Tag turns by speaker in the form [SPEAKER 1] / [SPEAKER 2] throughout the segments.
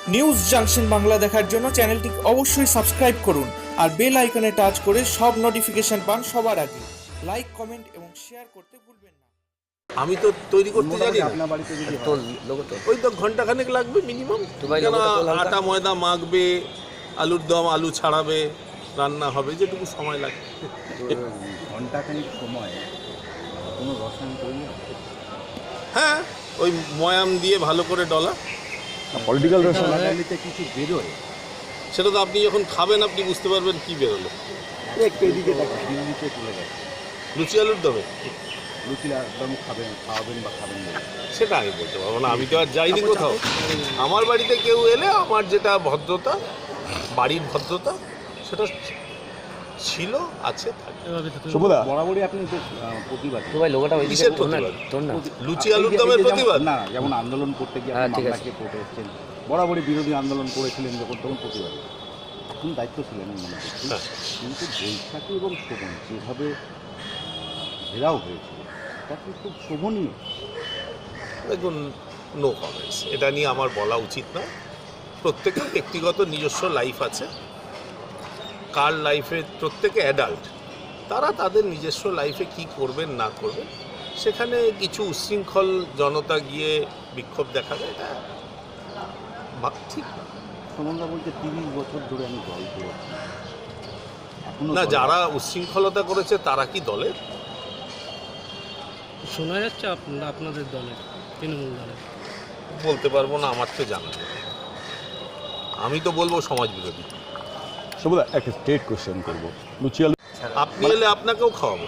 [SPEAKER 1] News junction Bangla দেখার জন্য চ্যানেলটি অবশ্যই সাবস্ক্রাইব করুন আর বেল আইকনে টাচ করে সব নোটিফিকেশন পান সবার আগে। লাইক, কমেন্ট এবং শেয়ার করতে ভুলবেন না।
[SPEAKER 2] আমি তো তৈরি করতে জানি না।
[SPEAKER 3] আপনার বাড়িতে যদি
[SPEAKER 4] তোল লোগো তো
[SPEAKER 2] ওই তো ঘন্টাখানেক লাগবে মিনিমাম।
[SPEAKER 4] ভাই, লোগোটা তোল হালকা।
[SPEAKER 2] আটা ময়দা মাখবে, আলুর দম, আলু ছাড়াবে, রান্না হবে, যেটুকু সময় লাগে।
[SPEAKER 3] ঘন্টাখানিক সময় কোনো রসায়ন তৈরি হয়?
[SPEAKER 2] হ্যাঁ, ওই ময়াম দিয়ে ভালো করে ডলা।
[SPEAKER 3] পলিটিক্যাল রসায়নিতে কিছু বেরোয়,
[SPEAKER 2] সেটা তো আপনি যখন খাবেন আপনি বুঝতে পারবেন কি বেরোলো।
[SPEAKER 3] একটু এদিকে দেখেন, দিল্লিতে চলে গেছে।
[SPEAKER 2] লুচি আলুর দমে
[SPEAKER 3] লুচি একদম খাওয়াবেন বা খাবেন না,
[SPEAKER 2] সেটা আমি বলতে পারবো না, আমি তো আর যাইনি কোথাও। আমার বাড়িতে কেউ এলে আমার যেটা ভদ্রতা, বাড়ির ভদ্রতা, সেটা ছিল, আছে, থাকবে।
[SPEAKER 3] বরাবরই আপনি তো প্রতিবাদ
[SPEAKER 4] তো ভাই লোগোটা ওইদিকে
[SPEAKER 2] কিসের
[SPEAKER 4] তোল না,
[SPEAKER 2] প্রতিবাদ?
[SPEAKER 4] তোল না।
[SPEAKER 2] লুচি আলুর দমের প্রতিবাদ
[SPEAKER 3] না, যেমন আন্দোলন করতে গিয়ে
[SPEAKER 4] হ্যাঁ,
[SPEAKER 3] আপনি
[SPEAKER 4] ঠিক আছে।
[SPEAKER 3] মামলাকে কোর্টে এসেছেন, বরাবরই বিরোধী আন্দোলন করেছিলেন যখন, তখন প্রতিবাদ এখন দায়িত্ব ছিলেন আমি মনে করছি।
[SPEAKER 2] হ্যাঁ।
[SPEAKER 3] কিন্তু বৈশাখী এবং শোভন যেভাবে ঘেরাও হয়েছিল তা কি খুব শোভনীয়?
[SPEAKER 2] দেখুন, নো কমেন্টস, এটা নিয়ে আমার বলা উচিত না। প্রত্যেকের ব্যক্তিগত নিজস্ব লাইফ আছে, কার লাইফে, প্রত্যেকে অ্যাডাল্ট, তারা তাদের নিজস্ব লাইফে কি করবেন না করবেন, সেখানে কিছু উচ্ছৃঙ্খল জনতা গিয়ে বিক্ষোভ দেখাবে, এটা ঠিক না।
[SPEAKER 3] সুমনদা বলছে 30 বছর ধরে আমি দল করেছি, এখনো
[SPEAKER 2] না,
[SPEAKER 3] দলে
[SPEAKER 2] যারা উচ্ছৃঙ্খলতা করেছে তারা কি দলের?
[SPEAKER 5] শোনা যাচ্ছে আপনাদের দলের, তৃণমূল দলের।
[SPEAKER 2] বলতে পারবো না, আমার তো জানা নেই। আমি তো বলবো সমাজ বিরোধী।
[SPEAKER 6] সবুদা একটা স্ট্রেট কোশ্চেন করবো। লুচি আলু,
[SPEAKER 2] আপনি এলে আপনাকেও খাওয়াবো।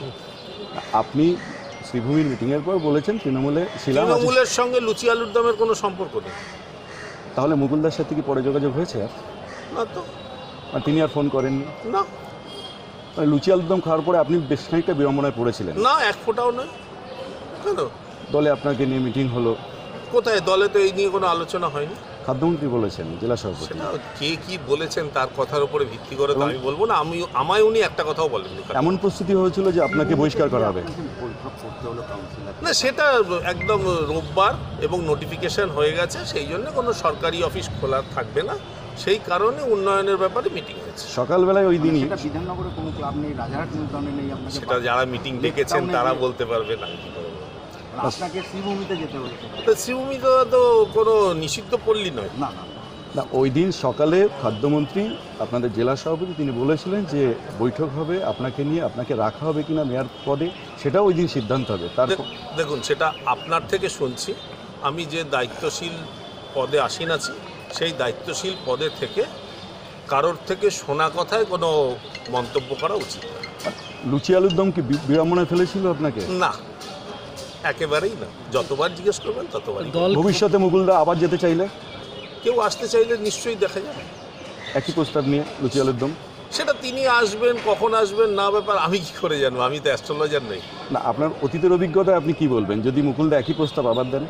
[SPEAKER 6] আপনি শ্রীভূমির মিটিংয়ের পর বলেছেন তৃণমূলে ছিলাম,
[SPEAKER 2] তৃণমূলের সঙ্গে লুচি আলুর দমের কোনো সম্পর্ক নেই।
[SPEAKER 6] তাহলে মুকুলদার সাথে কি পরে যোগাযোগ হয়েছে আর?
[SPEAKER 2] না তো,
[SPEAKER 6] আর তিনি আর ফোন করেননি?
[SPEAKER 2] না
[SPEAKER 6] মানে লুচি আলুর দম খাওয়ার পরে আপনি বেশ খানিকটা বিড়ম্বনায় পড়েছিলেন।
[SPEAKER 2] না, এক ফোঁটাও নয়। কেন?
[SPEAKER 6] দলে আপনাকে নিয়ে মিটিং হলো,
[SPEAKER 2] কোথায়? দলে তো এই নিয়ে কোনো আলোচনা হয়নি।
[SPEAKER 6] খাদ্যমন্ত্রী বলেছেন, জেলা সভাপতি।
[SPEAKER 2] সেটা কে কি বলেছেন তার কথার উপরে ভিত্তি করে তো আমি বলবো না। আমায় উনি একটা কথাও বলেননি।
[SPEAKER 6] এমন প্রস্তুতি হয়েছিল যে আপনাকে বহিষ্কার করা হবে?
[SPEAKER 3] বৈঠক করতে হলো কাউন্সিলর।
[SPEAKER 2] না, সেটা একদম রোববার এবং নোটিফিকেশন হয়ে গেছে, সেই জন্য কোনো সরকারি অফিস খোলা থাকবে না, সেই কারণে উন্নয়নের ব্যাপারে মিটিং হয়েছে।
[SPEAKER 6] সকালবেলায় ওই দিনই
[SPEAKER 3] সেটা বিধাননগরে কোনো ক্লাব নেই, রাজারহাট নিউটাউনে নেই, আপনাকে
[SPEAKER 2] সেটা যারা মিটিং ডেকেছেন তারা বলতে পারবেন, আমি কি করবো।
[SPEAKER 3] আপনাকে শ্রীভূমিতে যেতে হয়েছে।
[SPEAKER 2] তো শ্রীভূমি তো কোনো নিষিদ্ধ পল্লী নয়।
[SPEAKER 3] না না,
[SPEAKER 6] না, ওই দিন সকালে খাদ্যমন্ত্রী আপনাদের জেলা সভাপতি তিনি বলেছিলেন যে বৈঠক হবে আপনাকে নিয়ে, আপনাকে রাখা হবে কিনা মেয়র পদে সেটাও ওই দিন সিদ্ধান্ত হবে। তার
[SPEAKER 2] দেখুন, সেটা আপনার থেকে শুনছি। আমি যে দায়িত্বশীল পদে আসীন আছি, সেই দায়িত্বশীল পদে থেকে কারোর থেকে শোনা কথায় কোনো মন্তব্য করা উচিত না।
[SPEAKER 6] লুচি আলুর দম কি বিড়ম্বনায় ফেলেছিল আপনাকে?
[SPEAKER 2] না, একেবারেই না। যতবার জিজ্ঞেস করবেন ততবারই।
[SPEAKER 5] দল
[SPEAKER 6] ভবিষ্যতে মুকুলদা আবার যেতে চাইলে
[SPEAKER 2] কেউ আসতে চাইলে নিশ্চয়ই দেখা যাবে।
[SPEAKER 6] একই প্রস্তাব নিয়ে লুচি আলুর দম?
[SPEAKER 2] সেটা তিনি আসবেন, কখন আসবেন না ব্যাপার আমি কি করে জানবো? আমি তো অ্যাস্ট্রোলজার নই।
[SPEAKER 6] না, আপনার অতীতের অভিজ্ঞতায় আপনি কি বলবেন যদি মুকুলদা একই প্রস্তাব আবার দেন?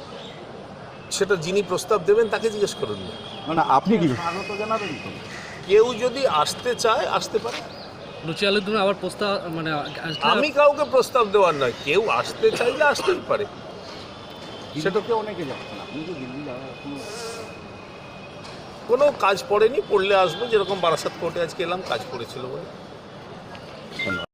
[SPEAKER 2] সেটা যিনি প্রস্তাব দেবেন তাকে জিজ্ঞেস করুন না।
[SPEAKER 6] না, আপনি কি
[SPEAKER 3] স্বাগত জানাবেন তো?
[SPEAKER 2] কেউ যদি আসতে চায় আসতে পারে।
[SPEAKER 5] লুচি আলুর দমে আবার প্রস্তাব মানে
[SPEAKER 2] আমি কাউকে প্রস্তাব দেওয়ার নয়, কেউ আসতে চাইলে আসতেই পারে।
[SPEAKER 3] সেটাকে অনেকে যাচ্ছেন, আপনি তো দিল্লি যাওয়া এখনো
[SPEAKER 2] কোনো কাজ পড়েনি, পড়লে আসবো। যেরকম বারাসাত কোর্টে আজকে এলাম, কাজ পড়েছিল বলে।